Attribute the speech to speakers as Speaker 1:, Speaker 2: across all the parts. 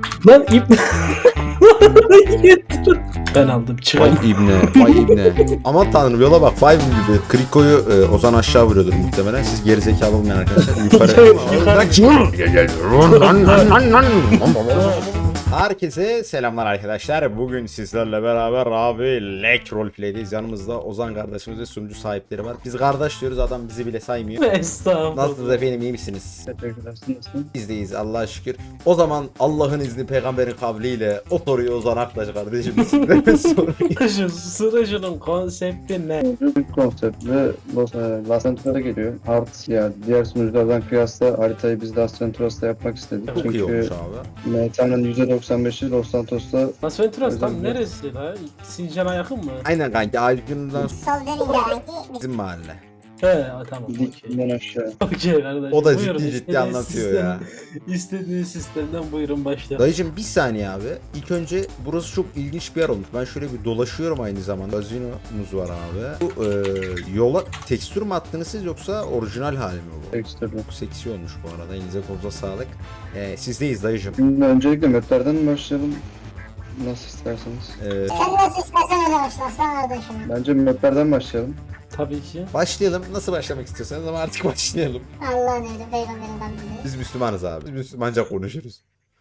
Speaker 1: Lan ip. Ben aldım çıkalım.
Speaker 2: Vay ibne, vay ibne. Aman tanrım yola bak, Five gibi. Kriko'yu Ozan aşağı vuruyordur muhtemelen. Siz gerizekalı olmayan arkadaşlar yukarı. Herkese selamlar arkadaşlar. Bugün sizlerle beraber abi Lek Roleplay'deyiz. Yanımızda Ozan kardeşimiz ve sunucu sahipleri var. Biz kardeş diyoruz, adam bizi bile saymıyor.
Speaker 1: Estağfurullah.
Speaker 2: Nasılsınız efendim, iyi misiniz?
Speaker 3: Teşekkürler. Nasılsın?
Speaker 2: Biz deyiz Allah'a şükür. O zaman Allah'ın izni peygamberin kavliyle o soruyu Ozan Aktaş kardeşim sizlere soruyor.
Speaker 1: Şu sürücünün konsepti ne?
Speaker 3: Büyük konseptli Las Venturas'a geliyor. Hard yani diğer sunuculardan kıyasla haritayı biz Las Venturas'ta yapmak istedik.
Speaker 2: Çok iyi
Speaker 3: Çünkü
Speaker 2: olmuş abi.
Speaker 3: MTA'nın %95'i Los Santos'ta.
Speaker 1: Las Venturas tam
Speaker 3: Özellikle.
Speaker 1: neresi la? Sincan'a yakın mı?
Speaker 2: Aynen kanki, Aydın'dan
Speaker 4: Sol dönünce kanki
Speaker 2: bizim mahalle.
Speaker 1: He tamam okey.
Speaker 3: Dikliğinden aşağı.
Speaker 1: Okey kardeşim.
Speaker 2: O da
Speaker 1: Buyurun,
Speaker 2: ciddi
Speaker 1: istediğiniz
Speaker 2: anlatıyor ya.
Speaker 1: İstediğiniz sistemden buyurun başla.
Speaker 2: Dayıcım bir saniye abi. İlk önce burası çok ilginç bir yer olmuş. Ben şöyle bir dolaşıyorum aynı zamanda. Gazinomuz var abi. Bu yola tekstür mü attınız siz yoksa orijinal hali mi bu?
Speaker 3: Ekstrem.
Speaker 2: Çok seksi olmuş bu arada. Elinize kolunuza sağlık. Sizdeyiz dayıcım.
Speaker 3: Şimdi öncelikle maplerden mi başlayalım? Nasıl isterseniz.
Speaker 4: sen nasıl istersen öyle başlasın kardeşim.
Speaker 3: Bence maplerden başlayalım.
Speaker 1: Tabii ki.
Speaker 2: Başlayalım. Nasıl başlamak istiyorsanız ama artık başlayalım.
Speaker 4: Allah'ın öyle peygamberin kavliyle.
Speaker 2: Biz Müslümanız abi. Biz Müslümanca konuşuruz.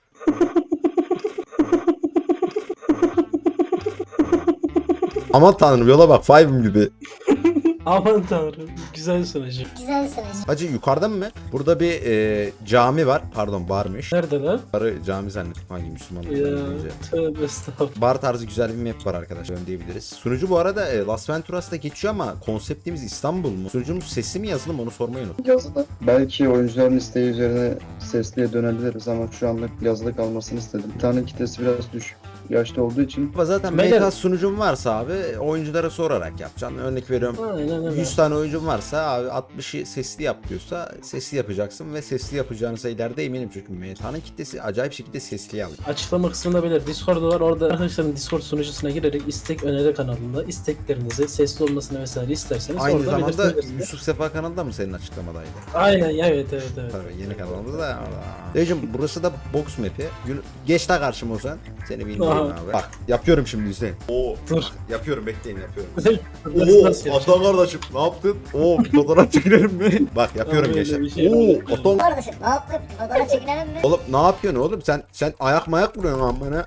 Speaker 2: Aman tanrım yola bak, Five'ım gibi.
Speaker 1: Aman tanrım. Güzel sunucu.
Speaker 4: Güzel söylüyor.
Speaker 2: Hacı yukarıdan mı? Burada bir cami var. Pardon, barmış.
Speaker 1: Nerede lan?
Speaker 2: Barı cami zannettim hangi Müslümanlık
Speaker 1: Ya
Speaker 2: önce.
Speaker 1: tövbe estağfurullah.
Speaker 2: Bar tarzı güzel bir map var arkadaşlar diyebiliriz. Sunucu bu arada Las Venturas'ta geçiyor ama konseptimiz İstanbul mu? Sunucumuz sesli mi yazılı mı onu sormayı unuttum.
Speaker 3: Yazılı. Belki oyuncuların isteği üzerine sesliye dönebiliriz ama şu anlık yazılı kalmasını istedim. Bir tane kitlesi biraz düşük yaşta olduğu için.
Speaker 2: Ama zaten
Speaker 1: Beyler-
Speaker 2: meta sunucum varsa abi oyunculara sorarak yapacaksın. Örnek veriyorum.
Speaker 1: Aynen öyle.
Speaker 2: 100 tane oyuncum varsa abi 60'ı sesli yap diyorsa sesli yapacaksın ve sesli yapacağınıza ileride eminim çünkü meta'nın kitlesi acayip şekilde sesli alıyor.
Speaker 1: Açıklama kısmında bilir. Discord'u var. Orada arkadaşların Discord sunucusuna girerek istek öneri kanalında isteklerinizi sesli olmasını vesaire isterseniz
Speaker 2: Aynı
Speaker 1: orada
Speaker 2: zamanda
Speaker 1: belirtebilirsiniz.
Speaker 2: Yusuf Sefa kanalında mı senin açıklamadaydı?
Speaker 1: Aynen ya, evet.
Speaker 2: Tabii yeni kanalımız da. Dayıcım burası da box map'i. Geç de karşıma Ozan. Seni bilmiyorum
Speaker 1: Aha.
Speaker 2: abi. Bak yapıyorum şimdi Hüseyin. Oo.
Speaker 1: Dur.
Speaker 2: Yapıyorum, bekleyin yapıyorum.
Speaker 1: Nasıl yapacağım?
Speaker 2: Aslan kardeşim ne yaptın? Oo bir fotoğraf çekinelim mi? Bak yapıyorum
Speaker 1: Abi,
Speaker 2: gençler.
Speaker 1: öyle bir şey
Speaker 2: Oo
Speaker 1: yok.
Speaker 2: Aslan.
Speaker 4: Kardeşim ne yaptık? Fotoğraf çekinelim mi?
Speaker 2: Oğlum ne yapıyorsun oğlum? Sen ayak mayak vuruyorsun lan bana.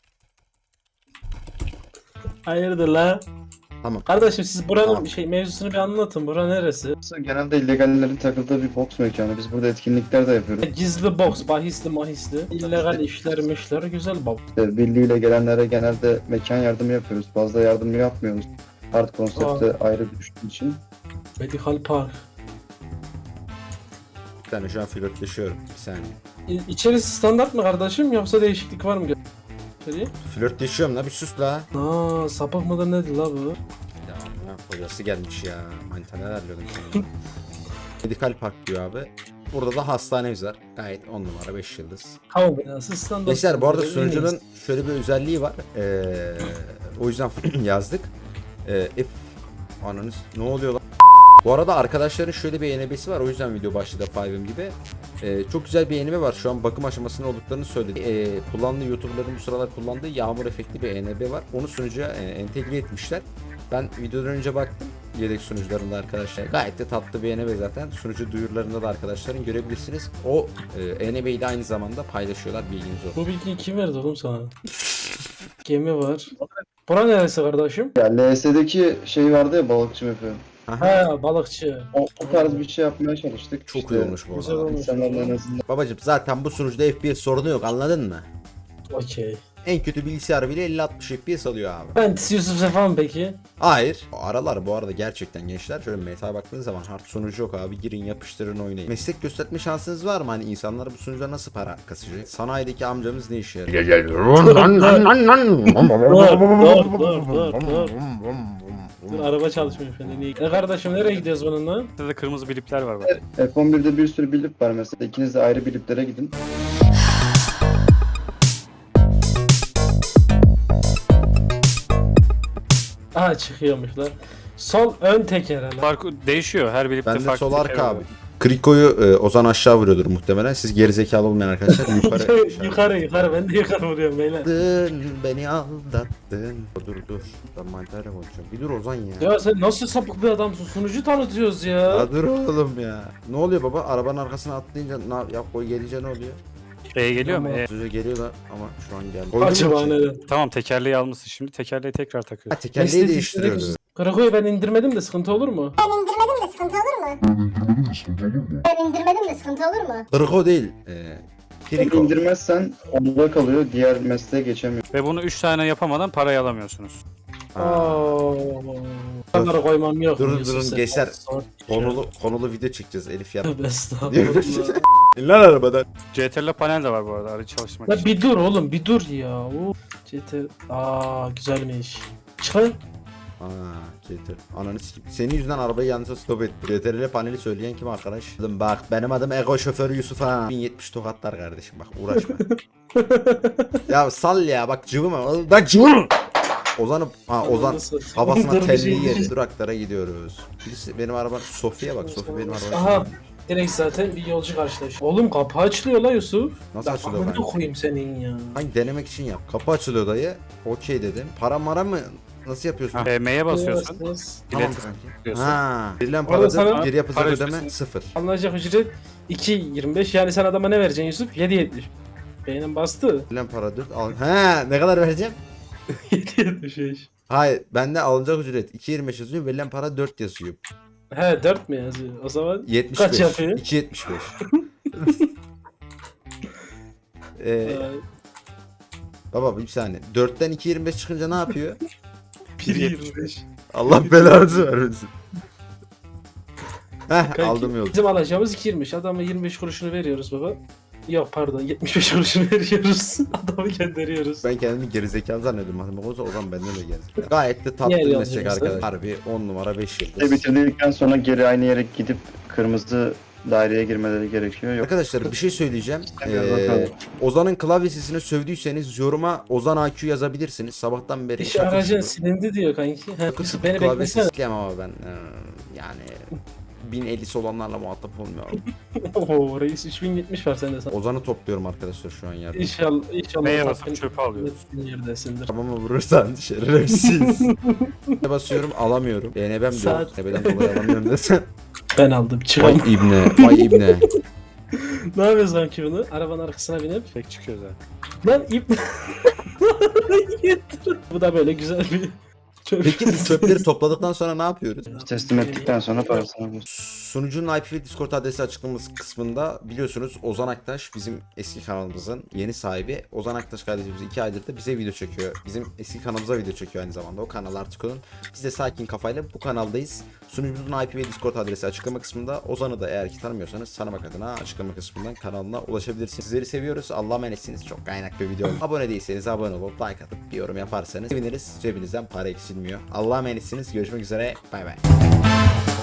Speaker 1: Hayırdır la?
Speaker 2: Tamam.
Speaker 1: Kardeşim siz buranın
Speaker 2: Tamam.
Speaker 1: mevzusunu bir anlatın. Bura neresi?
Speaker 3: Burası genelde illegallerin takıldığı bir box mekanı. Biz burada etkinlikler de yapıyoruz.
Speaker 1: Gizli box, bahisli mahisli, illegal işler mişler, güzel bab.
Speaker 3: İşte birliğiyle gelenlere genelde mekan yardımı yapıyoruz. Fazla yardım yapmıyoruz. Hard konsepte ayrı düştüğü için.
Speaker 1: Medical Park.
Speaker 2: Bir tane şu an flörtleşiyorum. Bir saniye.
Speaker 1: İçerisi standart mı kardeşim yoksa değişiklik var mı? İçeriye?
Speaker 2: Flörtleşiyorum la, bir sus la.
Speaker 1: Aa, sapık mıdır nedir la bu?
Speaker 2: Ya hocası gelmiş ya. Manita neler diyordum sana. Medikal Park diyor abi. Burada da hastanemiz var. Gayet 10 numara 5 yıldız.
Speaker 1: Hava binası standart.
Speaker 2: Gençler bu arada
Speaker 1: En
Speaker 2: sunucunun
Speaker 1: iyisi.
Speaker 2: şöyle bir özelliği var. O yüzden yazdık. Ananız ne oluyor lan? Bu arada arkadaşların şöyle bir ENB'si var. O yüzden video başladı Five'ım gibi. Çok güzel bir ENB var. Şu an bakım aşamasında olduklarını söyledi. Kullandığı YouTuber'ların bu sıralar kullandığı yağmur efektli bir ENB var. Onu sunucuya entegre etmişler. Ben videodan önce baktım. Yedek sunucularında arkadaşlar. Gayet de tatlı bir ENB zaten. Sunucu duyurularında da arkadaşların görebilirsiniz. O ENB'yi de aynı zamanda paylaşıyorlar. Bilginiz olsun.
Speaker 1: Bu bilgiyi kim verdi oğlum sana? Gemi var. Bura neresi kardeşim?
Speaker 3: Ya LS'deki şey vardı ya, balıkçı map'i.
Speaker 1: Ha, balıkçı.
Speaker 3: O tarz bir şey yapmaya çalıştık.
Speaker 2: Çok
Speaker 3: İşte
Speaker 2: iyi olmuş bu
Speaker 1: güzel
Speaker 2: arada.
Speaker 1: olmuş.
Speaker 3: İnsanların en azından
Speaker 2: Babacım zaten bu sunucuda FPS sorunu yok, anladın mı?
Speaker 1: Okey.
Speaker 2: En kötü bilgisayar bile 50-60 FPS alıyor abi.
Speaker 1: Ben Yusuf Sefa mı peki?
Speaker 2: Hayır. Aralar bu arada gerçekten gençler. Şöyle meta'ya baktığınız zaman hard sunucu yok abi. Girin yapıştırın oynayın. Meslek gösterme şansınız var mı? Hani insanlar bu sunucuda nasıl para kasacak? Sanayideki amcamız ne işe yarıyor?
Speaker 1: Dur, araba çalışmıyor falan. İyi. Kardeşim nereye gidiyoruz bununla?
Speaker 5: Burada da kırmızı bilipler var bak.
Speaker 3: F11'de bir sürü bilip var mesela. İkiniz de ayrı biliplere gidin.
Speaker 1: Aha çıkıyormuş lan. Sol ön teker hele.
Speaker 5: Fark değişiyor her bilipte
Speaker 2: Bende
Speaker 5: farklı
Speaker 2: sol
Speaker 5: bir
Speaker 2: arka
Speaker 5: şey var.
Speaker 2: abi. Kriko'yu Ozan aşağı vuruyordur muhtemelen. Siz gerizekalı olmayan arkadaşlar yukarı.
Speaker 1: yukarı ben de yukarı vuruyorum beyler.
Speaker 2: Aldattın, beni aldattın. Dur. Ben mantarla konuşuyorum. Bir dur Ozan ya.
Speaker 1: Ya sen nasıl sapık bir adamsın? Sunucu tanıtıyoruz ya.
Speaker 2: Ya dur oğlum ya. Ne oluyor baba? Arabanın arkasına atlayınca ya koy gelince ne oluyor?
Speaker 5: Geliyor mu?
Speaker 2: Sözü geliyorlar ama şu an geldi.
Speaker 1: Acaba
Speaker 2: Koydun mu ki?
Speaker 1: neden?
Speaker 5: Tamam, tekerleği almışsın, şimdi tekerleği tekrar
Speaker 2: Ha,
Speaker 5: takıyorsun.
Speaker 2: tekerleği değiştiriyordu.
Speaker 1: Karakoyu ben indirmedim de sıkıntı olur mu?
Speaker 4: Ben indirmedim de sıkıntı olur mu? Ben indirmedim de sıkıntı olur mu?
Speaker 2: Kriko değil. Kriko.
Speaker 3: İndirmezsen onda kalıyor. Diğer mesleğe geçemiyor.
Speaker 5: Ve bunu 3 tane yapamadan parayı alamıyorsunuz.
Speaker 1: Onlara koymam yok.
Speaker 2: Durun,
Speaker 1: Yusuf
Speaker 2: durun,
Speaker 1: sen.
Speaker 2: gençler. Konulu video çekeceğiz Elif ya.
Speaker 1: Tövbe estağfurullah.
Speaker 2: Lan arabadan.
Speaker 5: CTRL panel de var bu arada aracı çalışmak
Speaker 1: Ya
Speaker 5: için.
Speaker 1: bir dur oğlum bir dur ya. Güzelmiş. Çıkar.
Speaker 2: CTRL. Ananı sikeyim. Senin yüzünden arabayı yanlışa stop etti. CTRL paneli söyleyen kim arkadaş? Oğlum bak benim adım Ego şoförü Yusuf ha. 1070 tokatlar kardeşim bak uğraşma. Ya sal ya bak cıvıma. Bak cıvıma. Ozan kafasına
Speaker 1: Dur, bir
Speaker 2: telli
Speaker 1: şey
Speaker 2: yedi.
Speaker 1: diyeceğim.
Speaker 2: Duraklara gidiyoruz. Birisi benim araba Sofya bak. Sofya benim
Speaker 1: Aha.
Speaker 2: arabam.
Speaker 1: Direkt zaten bir yolcu karşılaş. Oğlum kapı açılıyor la Yusuf.
Speaker 2: Nasıl
Speaker 1: Bak
Speaker 2: açılıyor
Speaker 1: amına
Speaker 2: ben?
Speaker 1: koyayım senin ya.
Speaker 2: Hangi denemek için yap. Kapı açılıyor dayı. Okey dedim. Para mara mı? Nasıl yapıyorsun?
Speaker 5: M'ye basıyorsun.
Speaker 2: Tamam
Speaker 5: İlet
Speaker 2: kanki.
Speaker 5: diyorsun.
Speaker 2: Ha. Verilen
Speaker 1: Orada sana
Speaker 2: paradır. Geri yapacak
Speaker 5: para
Speaker 2: ödeme
Speaker 5: üstüsün.
Speaker 2: 0.
Speaker 1: Alınacak ücret 2.25 yani sen adama ne vereceksin Yusuf? 7.70. Beynim bastı.
Speaker 2: Verilen para 4. Ha, ne kadar vereceğim?
Speaker 1: 7.75.
Speaker 2: Hayır, bende alınacak ücret 2.25 yazıyor. Verilen para 4 yazıyor.
Speaker 1: He 4 mü yazıyor? O zaman
Speaker 2: 75.
Speaker 1: Kaç yapıyor?
Speaker 2: 2.75. Baba bir saniye. 4'ten 2.25 çıkınca ne yapıyor?
Speaker 1: 1.25.
Speaker 2: Allah belanızı vermesin. Heh,
Speaker 1: Kanki,
Speaker 2: aldım yolu.
Speaker 1: bizim alacağımız 2.25. Adama 25 kuruşunu veriyoruz baba. Yok pardon 75 kuruşunu veriyoruz. Adamı gönderiyoruz.
Speaker 2: Ben kendimi gerizekalı zannediyorum. Hani o zaman benden de gerizekalı. Gayet de tatlı
Speaker 1: Niye
Speaker 2: bir
Speaker 1: öyle
Speaker 2: meslek
Speaker 1: yapıyorsun?
Speaker 2: arkadaş. Harbi 10 numara 5
Speaker 3: Ve
Speaker 2: yıldız.
Speaker 3: bitirdikten sonra geri aynı yere gidip kırmızı daireye girmeleri gerekiyor. Yok.
Speaker 2: Arkadaşlar bir şey söyleyeceğim.
Speaker 3: Bakalım.
Speaker 2: Ozan'ın klavyesini sövdüyseniz yoruma Ozan AQ yazabilirsiniz. Sabahtan beri.
Speaker 1: İş aracın silindi diyor kanki. He, Yusuf beni
Speaker 2: klavyesi
Speaker 1: beklesene.
Speaker 2: isteyemem ama ben yani 1050'si olanlarla muhatap olmuyorum.
Speaker 1: Ooo reis 3070 var sende sana.
Speaker 2: Ozan'ı topluyorum arkadaşlar şu an yerde.
Speaker 1: İnşallah
Speaker 5: M'ye
Speaker 1: tatmin
Speaker 5: basıp çöpe alıyorsun.
Speaker 1: yerdesindir.
Speaker 2: Tamam mı vurursan şerefsiz. Ne basıyorum alamıyorum. BNB'm diyor.
Speaker 1: Saat-
Speaker 2: Nebeden dolayı alamıyorum desen.
Speaker 1: Ben aldım
Speaker 2: Vay
Speaker 1: çıkalım.
Speaker 2: ibne. Vay ibne.
Speaker 1: Ne yapıyoruz kanki bunu? Arabanın arkasına binip.
Speaker 5: Tek çıkıyor zaten.
Speaker 1: Lan ip. Bu da böyle güzel bir
Speaker 2: Peki biz çöpleri topladıktan sonra ne yapıyoruz?
Speaker 3: Teslim ettikten sonra parasını alıyorsun.
Speaker 2: Sunucunun IP ve Discord adresi açıklaması kısmında biliyorsunuz Ozan Aktaş bizim eski kanalımızın yeni sahibi. Ozan Aktaş kardeşimiz 2 aydır da bize video çekiyor. Bizim eski kanalımıza video çekiyor aynı zamanda. O kanal artık onun. Biz de sakin kafayla bu kanaldayız. Sunucumuzun IP ve Discord adresi açıklama kısmında. Ozan'ı da eğer ki tanımıyorsanız tanımak adına açıklama kısmından kanalına ulaşabilirsiniz. Sizleri seviyoruz. Allah'a emanetsiniz. Çok kaynak bir video. Abone değilseniz abone olup like atıp bir yorum yaparsanız seviniriz. Cebinizden para eksilmiyor. Allah'a emanetsiniz. Görüşmek üzere. Bay bay.